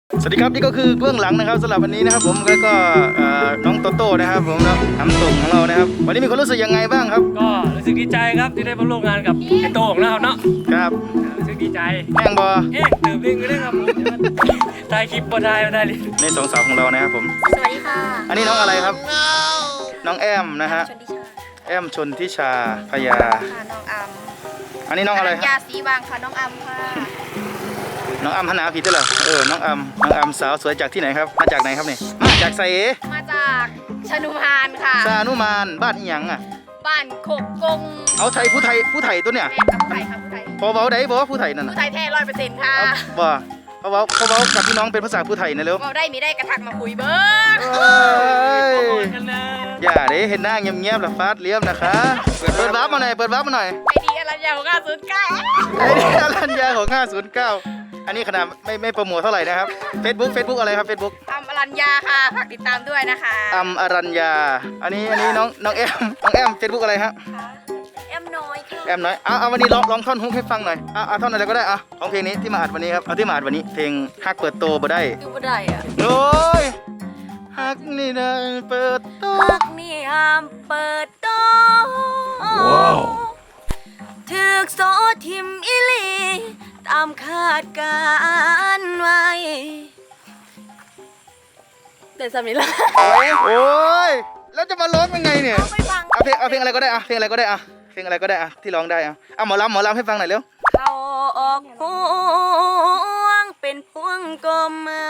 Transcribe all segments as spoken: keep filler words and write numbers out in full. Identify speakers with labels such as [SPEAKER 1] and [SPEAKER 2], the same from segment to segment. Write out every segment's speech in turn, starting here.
[SPEAKER 1] สวัสดีครับนี่ก็คือเบื้องหลังนะครับสำหรับวันนี้นะครับผมแล้วก็น้องโตโต้นะครับผมแล้วทำส่งของเรานะครับวันนี้มีความรู้สึกยังไงบ้างครับ
[SPEAKER 2] ก็รู้สึกดีใจครับที่ได้มาร่วมงานกับไอ้โต้งนะครับเนาะ
[SPEAKER 1] ครับ
[SPEAKER 2] รู้สึกดีใจ
[SPEAKER 1] แห้งบอ
[SPEAKER 2] เอ๊ะตื่นเต้นกันเลยครับผมถ่ายคลิปบ่ได้บ่ได้เลย
[SPEAKER 1] ในสองสาวของเรานะครับผม
[SPEAKER 3] สวัสดีค่ะ
[SPEAKER 1] อันนี้น้องอะไรครับน้องแอมนะฮะแอมชนทิชาพยา
[SPEAKER 3] ค่ะน้องอัม
[SPEAKER 1] อันนี้น้องอะไรครับ
[SPEAKER 3] ยาสีวางค่ะน้องอัมค่ะ
[SPEAKER 1] น้องอัมหันหน้าผิดด้วยเหรอเออน้องอัมน้องอัมสาวสวยจากที่ไหนครับมาจากไหนครับนี่มาจากไซเอ
[SPEAKER 3] มาจากชนุมานค่ะ
[SPEAKER 1] ซานุมานบ้านอีหยังอ่ะ
[SPEAKER 3] บ้านโคกกง
[SPEAKER 1] เอาไทยผู้ไทยผู้ไทยตัวเนี่ย
[SPEAKER 3] แม่กับผู้ไทยค่ะผู้ไทย
[SPEAKER 1] พอเบาได้บอกว่าผู้ไทยนั่น
[SPEAKER 3] ผู้ไทยแท้ร้อยเปอร์เซ็นต์ค่ะ
[SPEAKER 1] บ่เพราะว่าเพราะว่ากับพี่น้องเป็นภาษาผู้ไทยนะเร็ว
[SPEAKER 3] เราได้มีได้กระทักมาคุยเบิ้ง
[SPEAKER 1] อย่าเด้เห็นหน้าเงียบๆแล้วฟาดเลี้ยมนะคะเปิดเปิดวาร์ปมาหน่อยเปิดวาร์ปมาหน่อย
[SPEAKER 3] ไอดีอรัญญาของห้าศูนย์เก้า
[SPEAKER 1] ไอดีอรัญญาของห้าศูนย์เก้าอันนี้ขนาดไม่ไม่โปรโมทเท่าไหร่นะครับ Facebook Facebook อะไรครับ Facebook
[SPEAKER 3] อัมอรัญญาค่ะฝากติดตามด้วยนะคะ
[SPEAKER 1] อัมอรัญญาอันนี้อันนี้น้องน้องแอมน้องแอม Facebook อะไรฮะ
[SPEAKER 3] แอมน้อยค่ะ
[SPEAKER 1] แอมน้อยเอาเอาวันนี้ลองลองท่อนฮุกให้ฟังหน่อยเอาเอาท่อนอะไรก็ได้เอาของเพลงนี้ที่มาอัดวันนี้ครับเอาที่มาอัดวันนี้เพลงฮักเปิดโตบ่ได้
[SPEAKER 3] ดูบ่ได้อะ
[SPEAKER 1] โอ้ยฮักนี่นะเปิดโต
[SPEAKER 3] ฮักนี่ห้ามเปิดโตว้าวถึกโซทิมอิลีตามคาดการไว้เดี๋ยวสามีละ
[SPEAKER 1] โอ้ยแล้วจะมาร้องยังไงเนี่ยเอาเพลงเอาเพลงอะไรก็ได้อะเพลงอะไรก็ได้อะเพลงอะไรก็ได้อะที่ร้องได้อะเอาหมอลำหมอลำให้ฟังหน่อยเร็ว
[SPEAKER 3] เขาออกห่วงเป็นพวงกลมมา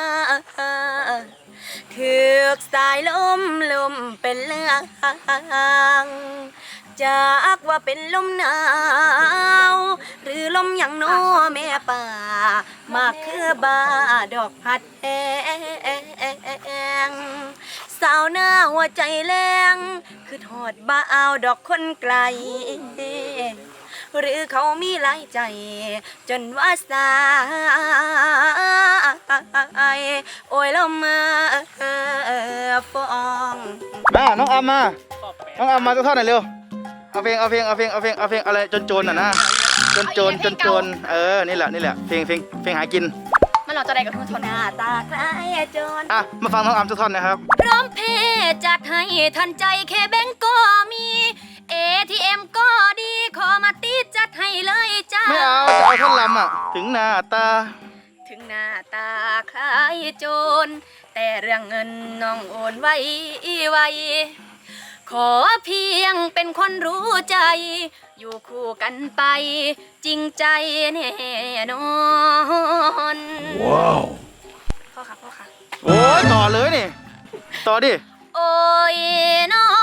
[SPEAKER 3] ถือกสายลมลมเป็นเลืองจากว่าเป็นลมหนาวหรือลมอย่างโน้แม่ป่ามากคือบาดอกพัดแองสาวหน้าหัวใจแรงคือทอดบ้าเอาดอกคนไกลหรือเขามีหลายใจจนว่าสายโอ้ยลมมาฟอง
[SPEAKER 1] มาน้องอัมมาน้องอัมมาตัวเท่าไหร่เร็วเอาเพลงเอาเพลงเอาเพลงเอาเพลงเอาเพลงอะไรจนโจรน่ะนะจนโจรจนโจรเออนี่แหละนี่แหละเพลงเพลงเพลงหากิน
[SPEAKER 3] มันหลอกจะได้กับทุกคนหน้าตาคล้ายโจร
[SPEAKER 1] อ่ะมาฟังน้องอัมสักท่อนนะครับ
[SPEAKER 3] พร้อมเพย์จัดให้ทันใจแค่แบงก์ก็มีเอทีเอ็มก็ดีขอมาตีจัดให้เลยจ้า
[SPEAKER 1] ไม่เอาจะเอาท่อนลำอ่ะถึงหน้าตา
[SPEAKER 3] ถึงหน้าตาคล้ายโจรแต่เรื่องเงินน้องโอนไว้ไวขอเพียงเป็นคนรู้ใจอยู่คู่กันไปจริงใจแน่นอนว้าวพ่อค่ะพ่อค่ะ
[SPEAKER 1] โอ้ยต่อเลยนี่ต่อดิ
[SPEAKER 3] โอ้ยน้อ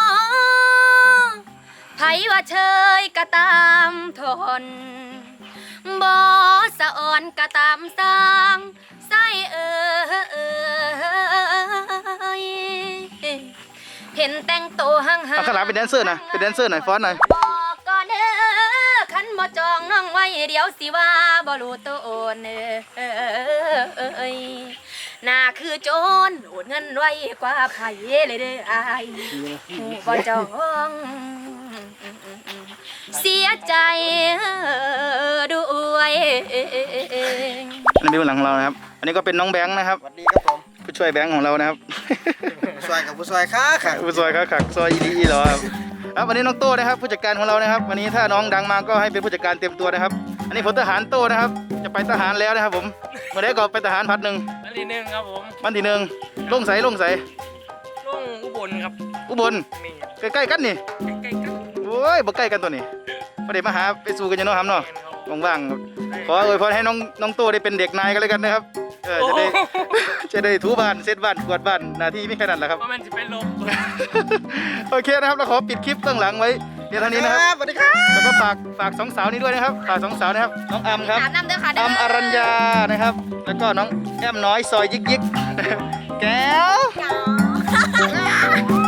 [SPEAKER 3] ไผว่าเชยก็ตามทนบ่สะอ่อนก็ตามสร้างใส่เอ่ยเห็นแต่งตัวห่างๆ
[SPEAKER 1] เอาขนาดเป็นแดนเซอร์นะเป็นแดนเซอร์หน่อยฟ้อนหน่อย
[SPEAKER 3] บอกก่อนเด้อคันบ่จองน้องไว้เดี๋ยวสิว่าบ่รู้ตัวโอนเอ้ยน่าคือโจรโอนเงินไว้กว่าไผเลยเด้ออายหูบ่จองเสียใจด้วย
[SPEAKER 1] อันนี้เป็นหลังของเรานะครับอันนี้ก็เป็นน้องแบงค์นะครับ
[SPEAKER 4] สวัสดีครับผม
[SPEAKER 1] ผู้ช่วยแบงค์ของเรานะครับ
[SPEAKER 4] ผู้ช่วยกับผู้ช่วยค้าค่ะ
[SPEAKER 1] ผู้ช่วยค้าขักซอยอีดีอีเหรอครับครับวันนี้น้องโต้นะครับผู้จัดการของเรานะครับวันนี้ถ้าน้องดังมาก็ให้เป็นผู้จัดการเต็มตัวนะครับอันนี้ผมทหารโต้นะครับจะไปทหารแล้วนะครับผมเมื่อได้ก็ไปทหารพัดหนึ่ง
[SPEAKER 2] วันที่หนึ่งครับผม
[SPEAKER 1] วันที่หนึ่งลงใสลงใส
[SPEAKER 2] ลงอุบลครับ
[SPEAKER 1] อุบลใกล้ๆกันนี่
[SPEAKER 2] ใกล้ๆกัน
[SPEAKER 1] โอ้ยบ่ใกล้กันตัวนี้พอดีมาหาไปสู่กันยังน้องทำเนาะว่างๆขออวยพรให้น้องน้องโต้ได้เป็นเด็กนายกันเลยกันนะครับเออจะได้จะได้ถูบ้านเซตบ้านกวาดบ้านหน้าที่ไม่แค่นั้นแหละครับ
[SPEAKER 2] เพราะมันจะเป็นลม
[SPEAKER 1] โอเคนะครับเราขอปิดคลิปเบื้องหลังไว้เดี๋ยวเท่านี้นะครับ
[SPEAKER 4] สวัสดีครับ
[SPEAKER 1] แล้วก็ฝากฝากสองสาวนี้ด้วยนะครับฝากสองสาวนะครับน้องอัมครับอัมอรัญญานะครับแล้วก็น้องแอมน้อยซอยยิกยิกแก้ว